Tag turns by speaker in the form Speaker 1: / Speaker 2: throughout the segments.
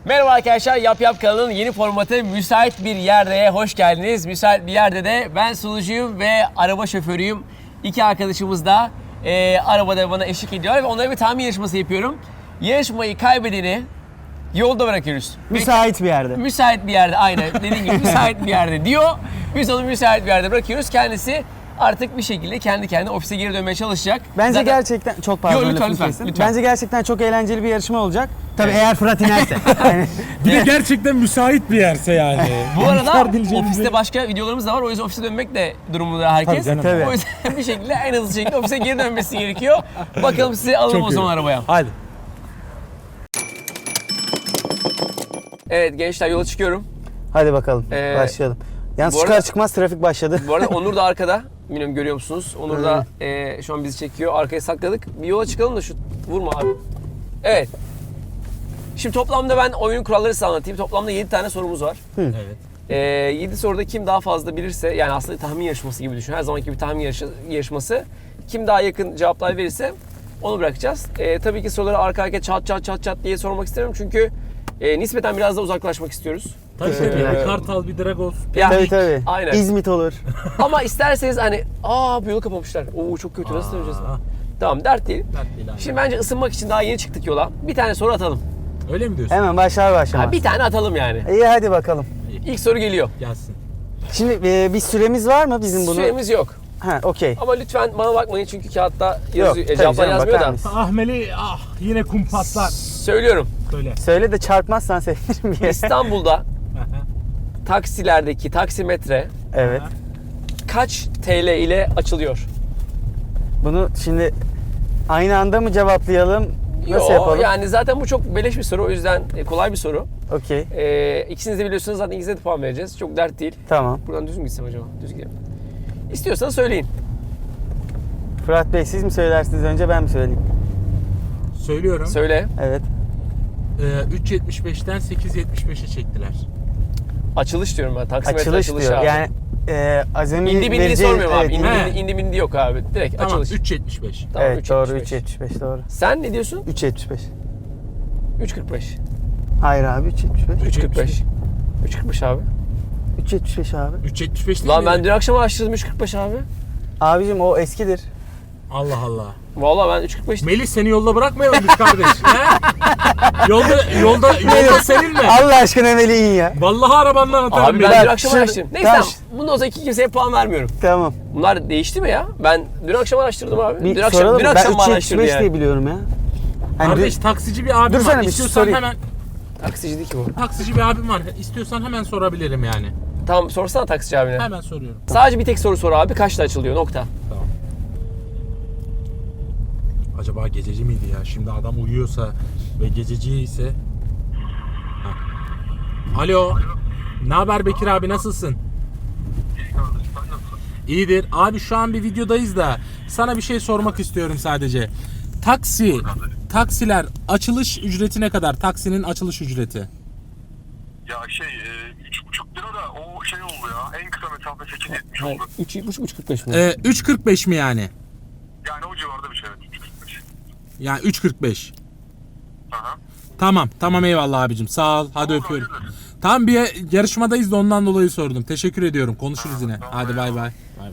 Speaker 1: Merhaba arkadaşlar, Yap Yap kanalının yeni formatı Müsait Bir Yerde'ye hoş geldiniz. Müsait Bir Yerde de ben sunucuyum ve araba şoförüyüm. İki arkadaşımız da arabada bana eşlik ediyor ve onlara bir tahmin yarışması yapıyorum. Yarışmayı kaybedeni yolda bırakıyoruz.
Speaker 2: Müsait bir yerde.
Speaker 1: Müsait bir yerde, aynen dediğim gibi müsait bir yerde diyor. Biz onu müsait bir yerde bırakıyoruz. Kendisi artık bir şekilde kendi kendine ofise geri dönmeye çalışacak.
Speaker 2: Bence
Speaker 1: Zaten...
Speaker 2: gerçekten çok pardon.
Speaker 1: Yo, lütfen,
Speaker 2: lafını
Speaker 1: lütfen,
Speaker 2: kestim.
Speaker 1: lütfen.
Speaker 2: Bence gerçekten çok eğlenceli bir yarışma olacak. Tabii eğer Fırat inerse. Yani,
Speaker 3: Bir de gerçekten müsait bir yerse yani.
Speaker 1: Bu arada
Speaker 3: İnkar edileceğini
Speaker 1: ofiste başka videolarımız da var. O yüzden ofise dönmek de durumunda herkes.
Speaker 3: Tabii canım.
Speaker 2: Tabii.
Speaker 1: O yüzden bir şekilde en hızlı şekilde ofise geri dönmesi gerekiyor. Bakalım sizi alalım
Speaker 3: Çok
Speaker 1: o zaman
Speaker 3: iyi.
Speaker 1: arabaya.
Speaker 3: Hadi.
Speaker 1: Evet gençler, yola çıkıyorum.
Speaker 2: hadi bakalım başlayalım. Yalnız
Speaker 1: bu
Speaker 2: çıkar
Speaker 1: arada-
Speaker 2: çıkmaz trafik başladı.
Speaker 1: Bu arada Onur da arkada. Bilmiyorum görüyor musunuz? Onur da şu an bizi çekiyor. Arkaya sakladık. Bir yola çıkalım da şu vurma abi. Evet. Şimdi toplamda ben oyunun kuralları size anlatayım. Toplamda 7 tane sorumuz var.
Speaker 3: Evet.
Speaker 1: 7 soruda kim daha fazla bilirse, yani aslında tahmin yarışması gibi düşün. Her zamanki bir tahmin yarışması. Kim daha yakın cevaplar verirse onu bırakacağız. Tabii ki soruları arka arkaya çat diye sormak istemiyorum. Çünkü nispeten biraz da uzaklaşmak istiyoruz.
Speaker 3: Tabii bir Kartal, bir Dragos.
Speaker 1: Ya,
Speaker 2: Tabii.
Speaker 1: Aynen.
Speaker 2: İzmit olur.
Speaker 1: Ama isterseniz hani bu yolu kapamışlar. Oo çok kötü, nasıl döneceğiz? Tamam, dert değil. Şimdi bence ısınmak için daha yeni çıktık yola. Bir tane soru atalım.
Speaker 3: Öyle mi diyorsun?
Speaker 2: Hemen başlamaz.
Speaker 1: Bir tane atalım yani.
Speaker 2: İyi hadi bakalım.
Speaker 1: İlk soru geliyor.
Speaker 3: Gelsin.
Speaker 2: Şimdi bir süremiz var mı bizim bunu?
Speaker 1: Süremiz yok.
Speaker 2: Ha okey.
Speaker 1: Ama lütfen bana bakmayın çünkü kağıtta
Speaker 2: Yok,
Speaker 1: yazıyor.
Speaker 2: tabii
Speaker 1: Cevaplar
Speaker 2: canım,
Speaker 1: yazmıyor
Speaker 2: bakar
Speaker 1: da.
Speaker 2: mısın?
Speaker 3: Ahmeli yine kum patlar.
Speaker 1: Söylüyorum.
Speaker 3: Söyle.
Speaker 2: Söyle de çarpmazsan sevinirim bir.
Speaker 1: İstanbul'da taksilerdeki taksimetre
Speaker 2: Evet.
Speaker 1: kaç TL ile açılıyor?
Speaker 2: Bunu şimdi aynı anda mı cevaplayalım? Nasıl yapalım?
Speaker 1: Yani zaten bu çok beleş bir soru, o yüzden kolay bir soru.
Speaker 2: Okey.
Speaker 1: İkisiniz de biliyorsunuz, zaten ikinize de puan vereceğiz. Çok dert değil.
Speaker 2: Tamam.
Speaker 1: Buradan düz mü gitsem acaba? Düz gidelim. İstiyorsanız söyleyin.
Speaker 2: Fırat Bey siz mi söylersiniz önce ben mi söyleyeyim?
Speaker 3: Söylüyorum.
Speaker 1: Söyle.
Speaker 2: Evet.
Speaker 3: 3.75'ten 8.75'e çektiler.
Speaker 1: Açılış diyorum ben. Taksimetre
Speaker 2: Açılış
Speaker 1: açılış
Speaker 2: diyor.
Speaker 1: abi.
Speaker 2: Yani azami
Speaker 1: İndi bindiği
Speaker 2: vereceği-
Speaker 1: sormuyorum abi.
Speaker 2: evet,
Speaker 1: İndi bindi yok abi. Direkt
Speaker 3: Tamam
Speaker 1: açılış.
Speaker 3: 3.75.
Speaker 1: Tamam,
Speaker 2: evet doğru
Speaker 1: 3.75.
Speaker 2: 3.75 doğru.
Speaker 1: Sen ne diyorsun?
Speaker 2: 3.75.
Speaker 1: 3.45.
Speaker 2: Hayır abi 3.75.
Speaker 1: 3.45. 3.45 abi.
Speaker 2: 3.75 abi.
Speaker 3: 3.75 değil
Speaker 1: Lan
Speaker 3: mi?
Speaker 1: ben dün akşam araştırdım 3.45 abi.
Speaker 2: Abicim o eskidir.
Speaker 3: Allah Allah.
Speaker 1: Vallahi ben 3.45.
Speaker 3: Melih seni yolda bırakmayalım biz kardeş. He? Yolda senin mi?
Speaker 2: Allah aşkına Melih in ya.
Speaker 3: Vallahi arabandan atarım.
Speaker 1: Abi ben
Speaker 3: Melih.
Speaker 1: dün akşam
Speaker 2: şöyle-
Speaker 1: araştırdım. Neyse
Speaker 2: ben-
Speaker 1: tamam. Bundan sonra kimseye puan vermiyorum.
Speaker 2: Tamam.
Speaker 1: Bunlar değişti mi ya? Ben dün akşam araştırdım abi.
Speaker 2: Bir
Speaker 1: Dün akşam,
Speaker 2: soralım
Speaker 1: dün
Speaker 2: mı?
Speaker 1: akşam
Speaker 2: Ben
Speaker 1: mı araştırdı
Speaker 2: 3.75
Speaker 1: yani?
Speaker 2: diye biliyorum ya. Hani
Speaker 3: Kardeş taksici bir abim
Speaker 2: Dursana
Speaker 3: var.
Speaker 2: bir
Speaker 3: İstiyorsan
Speaker 2: sorayım.
Speaker 3: hemen
Speaker 1: Taksici değil ki bu.
Speaker 3: taksici bir abim var. İstiyorsan hemen sorabilirim yani.
Speaker 1: Tamam, sorsana taksici abine.
Speaker 3: Hemen soruyorum.
Speaker 1: Sadece bir tek soru sor abi. Kaçta açılıyor? Nokta.
Speaker 3: Tamam. Acaba gececi miydi ya? Şimdi adam uyuyorsa ve gececi ise... Hah. Alo. Ne haber Bekir abi, nasılsın? İyidir. Abi şu an bir videodayız da sana bir şey sormak istiyorum sadece. Taksiler açılış ücreti ne kadar? Taksinin açılış ücreti.
Speaker 4: Ya 3,5 lira da o şey oldu ya. En kısa mesafe 8.70
Speaker 1: Hayır.
Speaker 4: oldu.
Speaker 1: 3.45 mi?
Speaker 3: 3.45 mi yani?
Speaker 4: Yani o civarda bir şey. Evet, 3,45.
Speaker 3: Yani 3.45.
Speaker 4: Aha.
Speaker 3: Tamam eyvallah abicim. Sağ ol. Hadi
Speaker 4: Tamam,
Speaker 3: öpüyorum.
Speaker 4: hayırdır.
Speaker 3: Tam bir yarışmadayız da ondan dolayı sordum. Teşekkür ediyorum. Konuşuruz yine.
Speaker 4: tamam,
Speaker 3: Hadi bay bay.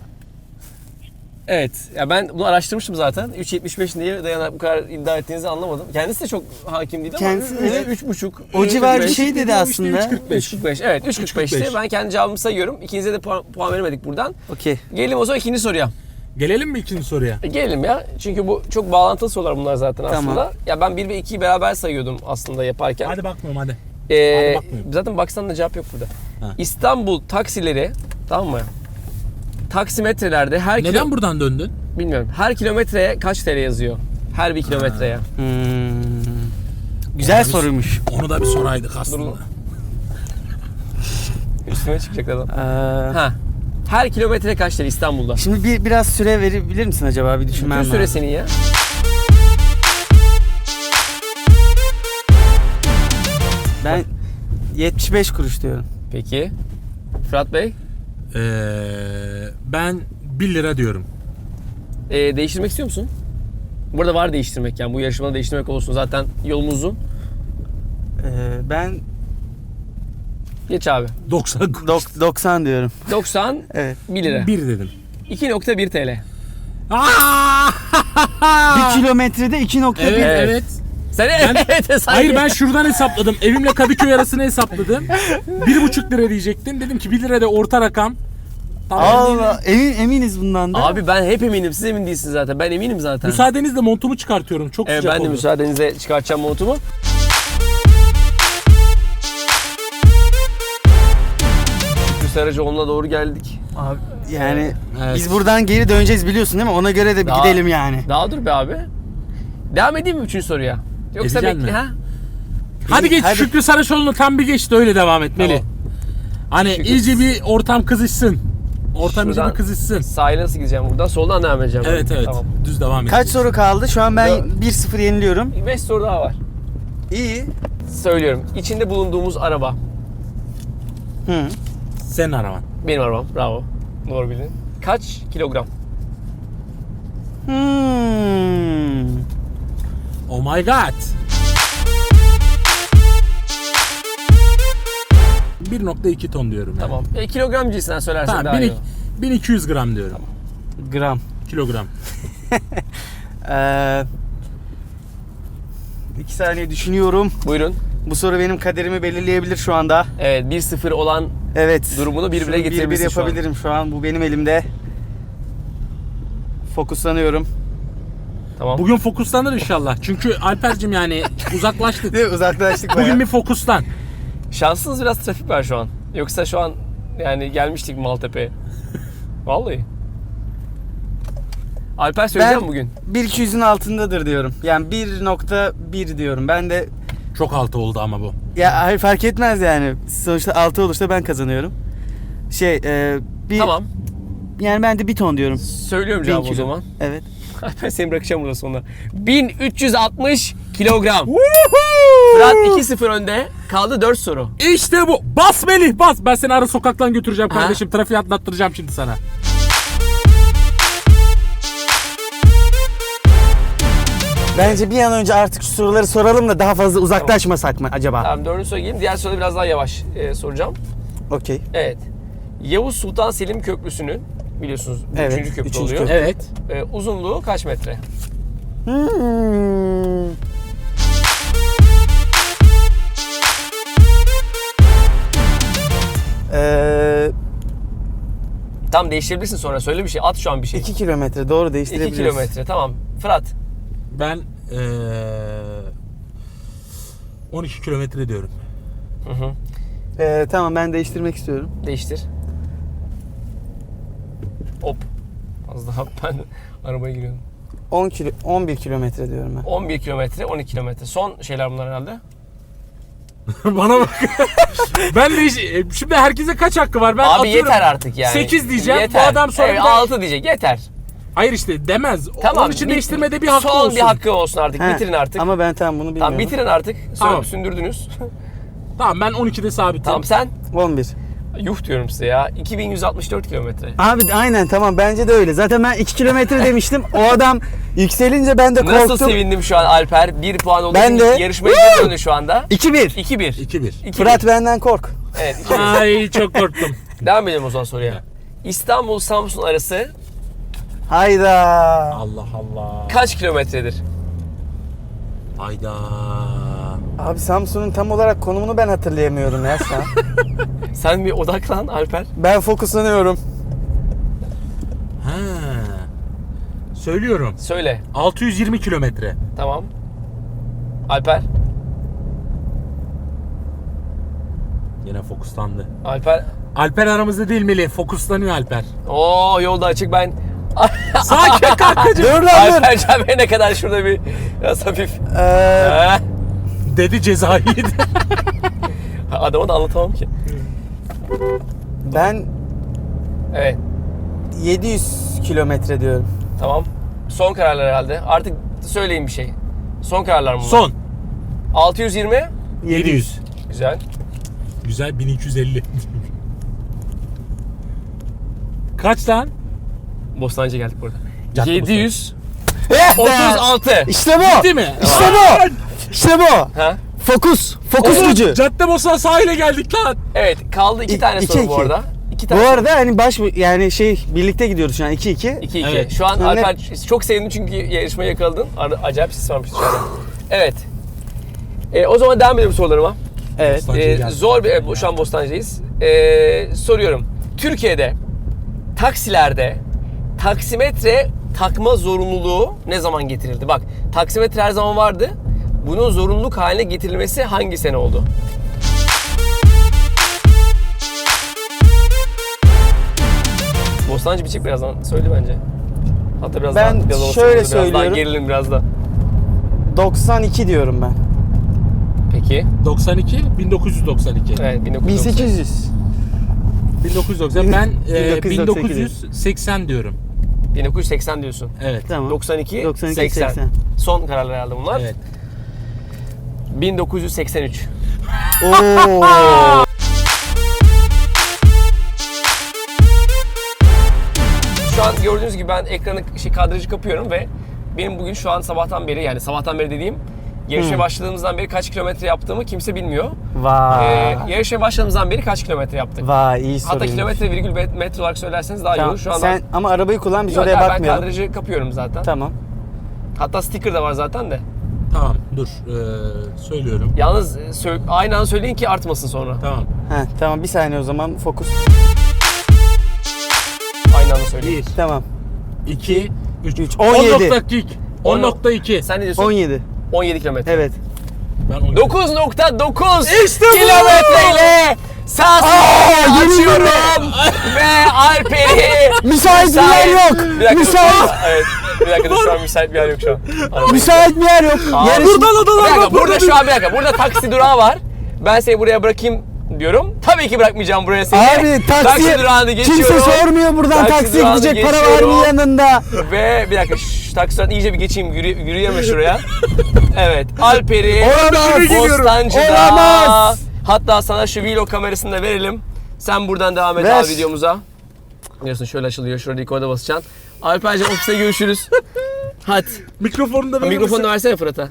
Speaker 1: Evet. Ya ben bunu araştırmıştım zaten. 3.75 niye dayanarak bu kadar iddia ettiğinizi anlamadım. Kendisi de çok hakim değil ama
Speaker 2: Kendisi de-
Speaker 1: evet, 3.5.
Speaker 2: o civar bir
Speaker 1: 3.45.
Speaker 2: şey dedi aslında.
Speaker 1: 3.45. Evet 3.45'ti.
Speaker 3: 3.45.
Speaker 1: Ben kendi cevabımı sayıyorum. İkinize de puan veremedik buradan.
Speaker 2: Okey.
Speaker 1: Gelelim o zaman ikinci soruya.
Speaker 3: Gelelim mi ikinci soruya?
Speaker 1: Gelelim ya. Çünkü bu çok bağlantılı sorular bunlar zaten
Speaker 2: Tamam.
Speaker 1: aslında. Ya ben 1 ve 2'yi beraber sayıyordum aslında yaparken.
Speaker 3: Hadi bakmıyorum hadi.
Speaker 1: Ee,
Speaker 3: Hadi bakmıyorum.
Speaker 1: zaten baksan da cevap yok burada.
Speaker 3: Ha.
Speaker 1: İstanbul taksileri, tamam mı? Taksimetrelerde her
Speaker 3: Neden buradan döndün?
Speaker 1: bilmiyorum. Her kilometreye kaç TL yazıyor? Her bir kilometreye.
Speaker 2: Güzel soruymuş.
Speaker 3: Onu da bir soraydık aslında.
Speaker 1: Üstüne çıkacak adam.
Speaker 2: Ee,
Speaker 1: Ha. Her kilometre kaç TL İstanbul'da?
Speaker 2: şimdi biraz süre verebilir misin acaba? Bir düşünmem
Speaker 1: Bütün
Speaker 2: lazım.
Speaker 1: süre senin ya.
Speaker 2: Ben 75 kuruş diyorum.
Speaker 1: Peki. Fırat Bey,
Speaker 3: Ben 1 lira diyorum.
Speaker 1: değiştirmek istiyor musun? Burada var değiştirmek, yani bu yarışmada değiştirmek olsun, zaten yolumuz uzun.
Speaker 2: Ben
Speaker 1: Geç abi.
Speaker 3: 90
Speaker 2: 90 diyorum.
Speaker 1: 90
Speaker 2: Evet.
Speaker 1: 1 lira.
Speaker 3: 1 dedim.
Speaker 1: 2.1 TL.
Speaker 2: Bir kilometrede 2.1.
Speaker 3: Evet, evet.
Speaker 1: Sen evet sanki.
Speaker 3: Hayır ben şuradan hesapladım. Evimle Kadıköy arasını hesapladım. 1,5 lira diyecektim. Dedim ki 1 lira da orta rakam. Tamam.
Speaker 2: Allah, eminiz bundan da.
Speaker 1: Abi ben hep eminim. Siz emin değilsiniz zaten. Ben eminim zaten.
Speaker 3: Müsaadenizle montumu çıkartıyorum. Çok
Speaker 1: Evet,
Speaker 3: sıcak
Speaker 1: ben de
Speaker 3: oldu.
Speaker 1: müsaadenizle çıkartacağım montumu. Şükrü Saracoğlu'na doğru geldik.
Speaker 2: Abi, yani
Speaker 3: Evet.
Speaker 2: biz buradan geri döneceğiz biliyorsun değil mi? Ona göre de bir
Speaker 1: Daha-
Speaker 2: gidelim yani.
Speaker 1: Daha dur be abi. Devam edeyim mi 3. soruya? Yoksa
Speaker 3: Edeceksin
Speaker 1: bekle
Speaker 3: mi?
Speaker 1: ha?
Speaker 3: Hadi geç
Speaker 2: Hadi.
Speaker 3: Şükrü Saraçoğlu'nu tam bir geç de öyle devam etmeli.
Speaker 1: Tamam.
Speaker 3: Hani
Speaker 1: Şükrü-
Speaker 3: iyice bir ortam kızışsın. Ortam iyice
Speaker 1: Şuradan
Speaker 3: bir kızışsın.
Speaker 1: Sahile nasıl gideceğim buradan? Soldan devam edeceğim. ben.
Speaker 3: Evet evet.
Speaker 1: Tamam.
Speaker 3: Düz devam et.
Speaker 2: Kaç soru kaldı? Şu an ben
Speaker 1: Dört.
Speaker 2: 1-0 yeniliyorum.
Speaker 1: 5 soru daha var.
Speaker 2: İyi.
Speaker 1: Söylüyorum. İçinde bulunduğumuz araba.
Speaker 2: Hı.
Speaker 3: Senin araban.
Speaker 1: Benim arabam. Bravo. Doğru bildin. Kaç kilogram?
Speaker 3: Oh my god. 1,2 ton diyorum yani.
Speaker 1: Tamam. Kilogram cinsinden söylersen
Speaker 3: Tamam.
Speaker 1: daha iyi.
Speaker 3: 1200 gram diyorum.
Speaker 2: Gram.
Speaker 3: Kilogram.
Speaker 2: 2 saniye düşünüyorum.
Speaker 1: Buyurun.
Speaker 2: Bu soru benim kaderimi belirleyebilir şu anda.
Speaker 1: Evet, 1-0 olan
Speaker 2: Evet.
Speaker 1: durumunu 1-1'e
Speaker 2: Şunu 1-1
Speaker 1: getirebilirsin şu an.
Speaker 2: yapabilirim şu an. Bu benim elimde. Fokuslanıyorum.
Speaker 1: Tamam.
Speaker 3: Bugün fokuslanır inşallah. Çünkü Alper'cim yani uzaklaştık.
Speaker 2: Değil mi? Uzaklaştık bayağı.
Speaker 3: Bugün bir fokuslan.
Speaker 1: Şanssız biraz trafik var şu an. Yoksa şu an yani gelmiştik Maltepe'ye. Vallahi. Alper söyleyeceğim
Speaker 2: Ben
Speaker 1: bugün.
Speaker 2: 1.200'ün altındadır diyorum. Yani 1.1 diyorum. Ben de
Speaker 3: Çok altı oldu ama bu.
Speaker 2: ya hayır fark etmez yani. Sonuçta 6 olursa ben kazanıyorum. Bir
Speaker 1: Tamam.
Speaker 2: yani ben de 1 ton diyorum.
Speaker 1: Söylüyorum
Speaker 2: 1000
Speaker 1: cevabı o
Speaker 2: kilo.
Speaker 1: zaman.
Speaker 2: Evet.
Speaker 1: Alper seni bırakacağım burada sonunda. 1360 kilogram. Fırat 2-0 önde. Kaldı 4 soru.
Speaker 3: İşte bu. Bas Melih bas. Ben seni ara sokaktan götüreceğim
Speaker 1: Ha?
Speaker 3: kardeşim. Trafiği atlattıracağım şimdi sana.
Speaker 2: Bence bir an önce artık şu soruları soralım da daha fazla uzaklaşmasak mı acaba?
Speaker 1: Tamam 4. soruya geleyim. Diğer soruda biraz daha yavaş soracağım.
Speaker 2: Okey.
Speaker 1: Evet. Yavuz Sultan Selim Köprüsü'nün biliyorsunuz bu
Speaker 2: Evet,
Speaker 1: 3. köprü
Speaker 2: üçüncü
Speaker 1: oluyor.
Speaker 2: köprü.
Speaker 3: Evet.
Speaker 1: Uzunluğu kaç metre?
Speaker 2: Hmm.
Speaker 1: Tam değiştirebilirsin sonra. Söyle bir şey. At şu an bir şey.
Speaker 2: 2 kilometre doğru
Speaker 1: 2
Speaker 2: değiştirebiliriz.
Speaker 1: kilometre. Tamam. Fırat.
Speaker 3: Ben 12 kilometre diyorum.
Speaker 1: Hı hı.
Speaker 2: Tamam ben değiştirmek istiyorum.
Speaker 1: Değiştir. Hop. Az daha ben arabaya giriyorum.
Speaker 2: 11 kilometre diyorum ben.
Speaker 1: 11 kilometre, 12 kilometre. Son şeyler bunlar herhalde.
Speaker 3: Bana bak. Ben de şimdi herkese kaç hakkı var? Ben
Speaker 1: Abi
Speaker 3: atıyorum.
Speaker 1: yeter artık yani.
Speaker 3: 8 diyeceğim.
Speaker 1: Yeter.
Speaker 3: Bu adam sonra
Speaker 1: evet,
Speaker 3: bir de-
Speaker 1: 6 diyecek. Yeter.
Speaker 3: Hayır işte demez.
Speaker 1: Tamam.
Speaker 3: Onun için değiştirmede bir hakkı
Speaker 1: son
Speaker 3: olsun.
Speaker 1: bir hakkı olsun artık.
Speaker 2: He,
Speaker 1: Bitirin artık.
Speaker 2: Ama ben tam bunu bilmiyorum.
Speaker 1: Tamam bitirin artık.
Speaker 3: Tamam.
Speaker 1: Sündürdünüz.
Speaker 3: Tamam ben 12'de sabitim.
Speaker 1: Tamam sen?
Speaker 2: 11.
Speaker 1: Yuh diyorum size ya. 2164 kilometre.
Speaker 2: Abi aynen tamam bence de öyle. Zaten ben 2 kilometre demiştim. O adam yükselince ben de korktum.
Speaker 1: Nasıl sevindim şu an Alper. 1 puan olduğu
Speaker 2: Ben
Speaker 1: için
Speaker 2: de.
Speaker 1: yarışmaya geri döndü şu anda.
Speaker 2: 2-1.
Speaker 1: 2-1.
Speaker 3: 2-1.
Speaker 1: 2-1.
Speaker 2: Fırat benden kork.
Speaker 1: Evet 2-1.
Speaker 3: Ay çok korktum.
Speaker 1: Devam edelim o zaman soruya. İstanbul-Samsun arası
Speaker 2: Hayda.
Speaker 3: Allah Allah.
Speaker 1: kaç kilometredir?
Speaker 3: Hayda.
Speaker 2: Abi Samsun'un tam olarak konumunu ben hatırlayamıyorum ya şu an.
Speaker 1: Sen bir odaklan Alper.
Speaker 2: Ben fokuslanıyorum.
Speaker 3: Ha. Söylüyorum.
Speaker 1: Söyle.
Speaker 3: 620 kilometre.
Speaker 1: Tamam. Alper.
Speaker 3: Yine fokuslandı.
Speaker 1: Alper.
Speaker 3: Alper aramızda değil Melih. Fokuslanıyor Alper.
Speaker 1: Oo yolda açık ben.
Speaker 3: Sakin kankacığım.
Speaker 2: Dur lan dur.
Speaker 1: Alper Canber'e ne kadar şurada bir biraz hafif. Heh.
Speaker 3: Dedi cezayı yedi.
Speaker 1: Adamı da anlatamam ki.
Speaker 2: Ben
Speaker 1: Evet.
Speaker 2: 700 kilometre diyorum.
Speaker 1: Tamam. Son kararlar herhalde. Artık söyleyin bir şey. Son kararlar mı bunlar?
Speaker 3: Son.
Speaker 1: 620.
Speaker 3: 700.
Speaker 1: Güzel.
Speaker 3: Güzel 1250. Kaç lan?
Speaker 1: Bostancı'ya geldik burada.
Speaker 3: Cadde
Speaker 1: 736.
Speaker 2: İşte bu.
Speaker 3: Değil mi?
Speaker 2: İşte bu. İşte bu.
Speaker 1: Ha?
Speaker 2: Fokus gücü.
Speaker 3: Caddebostan sahile geldik lan.
Speaker 1: Evet, kaldı 2 tane
Speaker 2: iki,
Speaker 1: soru bu
Speaker 2: iki.
Speaker 1: arada. 2
Speaker 2: Bu
Speaker 1: tane.
Speaker 2: arada hani yani birlikte gidiyoruz şu an 2-2.
Speaker 1: 2-2.
Speaker 3: Evet.
Speaker 1: Şu an
Speaker 2: Yani-
Speaker 1: Alper çok sevindim çünkü yarışmayı yakaladın. Acayip ses varmış dışarıda. Evet. O zaman devam edelim sorularıma.
Speaker 2: Evet.
Speaker 3: Bostancı'ya geldik.
Speaker 1: Zor bir... şu an Bostancı'dayız. Soruyorum. Türkiye'de taksilerde taksimetre takma zorunluluğu ne zaman getirildi? Bak, taksimetre her zaman vardı. Bunun zorunluluk haline getirilmesi hangi sene oldu? Bostancı bir çık birazdan. Söyle bence. Hatta biraz
Speaker 2: Ben
Speaker 1: daha, biraz
Speaker 2: şöyle
Speaker 1: biraz daha
Speaker 2: söylüyorum.
Speaker 1: gerilim biraz da.
Speaker 2: 92 diyorum ben.
Speaker 1: Peki.
Speaker 3: 92, 1992.
Speaker 1: Evet, 1990.
Speaker 2: 1800.
Speaker 3: 1990. Ben
Speaker 2: 1998
Speaker 3: 1980 diyorum.
Speaker 1: 1980 diyorsun.
Speaker 3: Evet.
Speaker 2: Tamam.
Speaker 1: 92,
Speaker 2: 92,
Speaker 1: 80.
Speaker 2: 80.
Speaker 1: Son kararlar herhalde bunlar.
Speaker 3: Evet.
Speaker 1: 1983.
Speaker 2: Oo.
Speaker 1: Şu an gördüğünüz gibi ben ekranı kadrajı kapıyorum ve benim bugün şu an sabahtan beri, yani sabahtan beri dediğim yarışmaya başladığımızdan beri kaç kilometre yaptığımı kimse bilmiyor.
Speaker 2: Vay.
Speaker 1: Yarışmaya başladığımızdan beri kaç kilometre yaptık?
Speaker 2: Vay iyi
Speaker 1: Hatta
Speaker 2: soruymuş.
Speaker 1: kilometre virgül metre olarak söylerseniz daha iyi
Speaker 2: Tamam.
Speaker 1: olur. Şu anda
Speaker 2: Sen ama arabayı kullan biz
Speaker 1: Yok,
Speaker 2: oraya
Speaker 1: ben
Speaker 2: bakmayalım.
Speaker 1: kadrajı kapıyorum zaten.
Speaker 2: Tamam.
Speaker 1: Hatta sticker da var zaten de.
Speaker 3: Tamam dur. Söylüyorum.
Speaker 1: Yalnız aynı anda söyleyin ki artmasın sonra.
Speaker 3: Tamam.
Speaker 2: Tamam bir saniye o zaman fokus.
Speaker 1: Aynı anda söyleyin.
Speaker 3: 1,
Speaker 2: Tamam.
Speaker 3: 2, 3.
Speaker 2: 17.
Speaker 3: 10.2. 10.2.
Speaker 1: Sen ne diyorsun?
Speaker 2: 17.
Speaker 1: 17 kilometre.
Speaker 2: Evet.
Speaker 3: Ben 10.
Speaker 1: 9.9
Speaker 2: İşte bu!
Speaker 1: kilometreyle sahasını açıyorum ve Alper'i
Speaker 2: Müsait bir yer yok.
Speaker 1: Bir dakika,
Speaker 2: Müsait.
Speaker 1: Evet. Bir dakika dur, şu an müsait bir yer yok şu an. Arabayı-
Speaker 2: Müsait bir yer yok.
Speaker 1: Aa,
Speaker 2: Yarış-
Speaker 1: bir dakika, burada şu an bir dakika. Burada taksi durağı var. Ben seni buraya bırakayım diyorum. Tabii ki bırakmayacağım buraya seni.
Speaker 2: Abi taksi
Speaker 1: durağını geçiyorum.
Speaker 2: kimse sormuyor buradan
Speaker 1: Taksi
Speaker 2: taksiye
Speaker 1: durağını
Speaker 2: gidecek para var
Speaker 1: geçiyorum.
Speaker 2: mı yanında?
Speaker 1: Ve bir dakika şu taksi durağını iyice bir geçeyim. Yürüyeme şuraya. Evet. Alper'i
Speaker 2: Olamaz.
Speaker 1: Bostancı'da.
Speaker 2: Olamaz.
Speaker 1: Hatta sana şu vlog kamerasını da verelim. Sen buradan devam et
Speaker 2: Ver.
Speaker 1: abi videomuza. Biliyorsun şöyle açılıyor. Şurada rekorda basacaksın. Alper'cim ofiste görüşürüz. Hadi.
Speaker 3: Mikrofonu da verir
Speaker 1: Mikrofonu
Speaker 3: misin?
Speaker 1: versene Fırat'a.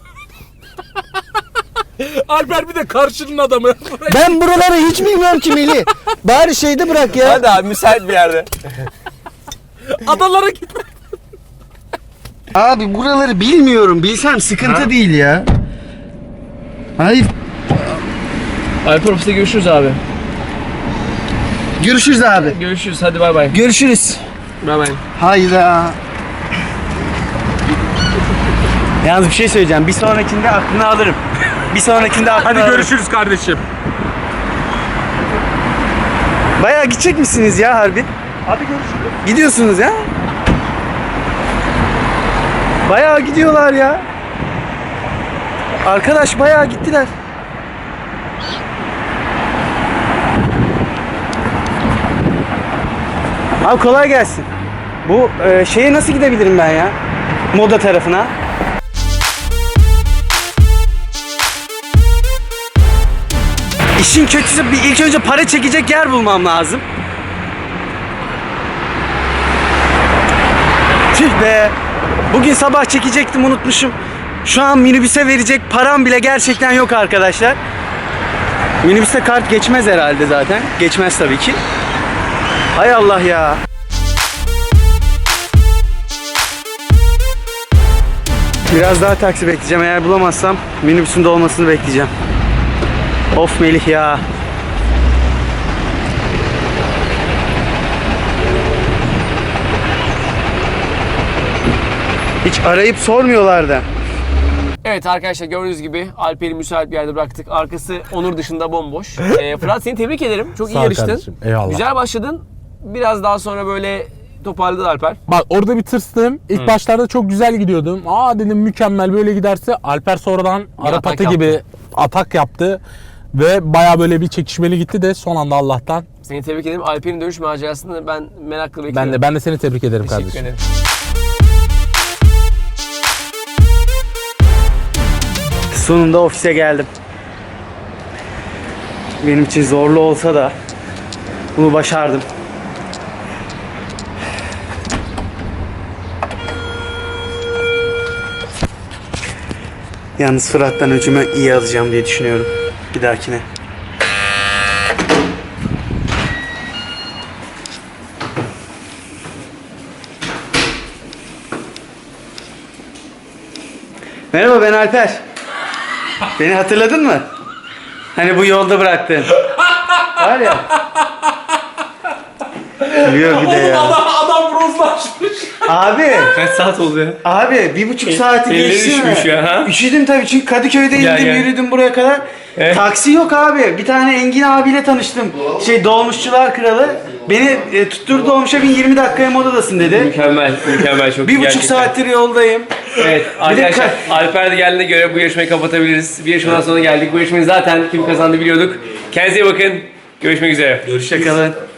Speaker 3: Alper bir de karşının adamı.
Speaker 2: Ben buraları hiç bilmiyorum ki Melih. Bari şeyde bırak ya.
Speaker 1: Hadi abi, müsait bir yerde.
Speaker 3: Adalara gitme.
Speaker 2: Abi buraları bilmiyorum. Bilsem sıkıntı değil ya. Hayır.
Speaker 1: Alper ofiste görüşürüz abi.
Speaker 2: Görüşürüz abi.
Speaker 1: Görüşürüz, hadi bay bay.
Speaker 2: Görüşürüz.
Speaker 1: Bay bay.
Speaker 2: Hayda. Yalnız bir şey söyleyeceğim. Bir sonrakinde aklını alırım. Bir sonrakinde aklını
Speaker 3: Hadi
Speaker 2: alırım.
Speaker 3: görüşürüz kardeşim.
Speaker 2: Bayağı gidecek misiniz ya harbi?
Speaker 3: Hadi görüşürüz.
Speaker 2: Gidiyorsunuz ya. Bayağı gidiyorlar ya. Arkadaş bayağı gittiler. Abi kolay gelsin. Bu şeye nasıl gidebilirim ben ya? Moda tarafına. İşin kötüsü bir ilk önce para çekecek yer bulmam lazım. Tüh be. Bugün sabah çekecektim, unutmuşum. Şu an minibüse verecek param bile gerçekten yok arkadaşlar. Minibüste kart geçmez herhalde zaten. Geçmez tabii ki. Hay Allah ya. Biraz daha taksi bekleyeceğim. Eğer bulamazsam minibüsün dolmasını bekleyeceğim. Of Melih ya. Hiç arayıp sormuyorlar da.
Speaker 1: Evet arkadaşlar, gördüğünüz gibi Alper'i müsait bir yerde bıraktık. Arkası Onur dışında bomboş. Fırat, seni tebrik ederim. Çok iyi
Speaker 3: Sağ ol
Speaker 1: yarıştın.
Speaker 3: kardeşim, eyvallah.
Speaker 1: Güzel başladın. Biraz daha sonra böyle toparladı Alper.
Speaker 3: Bak orada bir tırstım. İlk başlarda çok güzel gidiyordum. Aa dedim mükemmel, böyle giderse. Alper sonradan Arap
Speaker 1: atak
Speaker 3: atı
Speaker 1: yaptı.
Speaker 3: gibi atak yaptı. Ve baya böyle bir çekişmeli gitti de son anda Allah'tan.
Speaker 1: Seni tebrik ederim. Alper'in dönüş macerasını ben merakla bekliyorum.
Speaker 3: Ben de seni tebrik ederim
Speaker 1: Teşekkür
Speaker 3: kardeşim.
Speaker 1: ederim.
Speaker 2: Sonunda ofise geldim. Benim için zorlu olsa da bunu başardım. Yalnız Fırat'tan öcümü iyi alacağım diye düşünüyorum bir dahakine. Merhaba, ben Alper. Beni hatırladın mı? Hani bu yolda bıraktın. Var ya. Gülüyor bir de ya.
Speaker 3: Adam bronzlaşmış.
Speaker 2: Abi.
Speaker 1: Kaç saat oldu ya?
Speaker 2: Abi 1,5 saati
Speaker 1: elleri
Speaker 2: geçti
Speaker 1: üşümüş
Speaker 2: mi?
Speaker 1: ya, ha?
Speaker 2: Üşüdüm tabii çünkü Kadıköy'de
Speaker 1: Gel,
Speaker 2: indim,
Speaker 1: gel.
Speaker 2: yürüdüm buraya kadar. Taksi yok abi. Bir tane Engin abiyle tanıştım. Dolmuşçular kralı. Beni tutturdu dolmuşa 20 dakikaya modadasın dedi.
Speaker 1: Mükemmel, mükemmel, çok iyi
Speaker 2: 1,5
Speaker 1: gerçekten.
Speaker 2: saattir yoldayım.
Speaker 1: Evet arkadaşlar, Alper de geldiğine göre bu yarışmayı kapatabiliriz. Bir yarışmadan sonra geldik. Bu yarışmayı zaten kim kazandı biliyorduk. Kendinize iyi bakın. Görüşmek üzere.
Speaker 2: Hoşçakalın.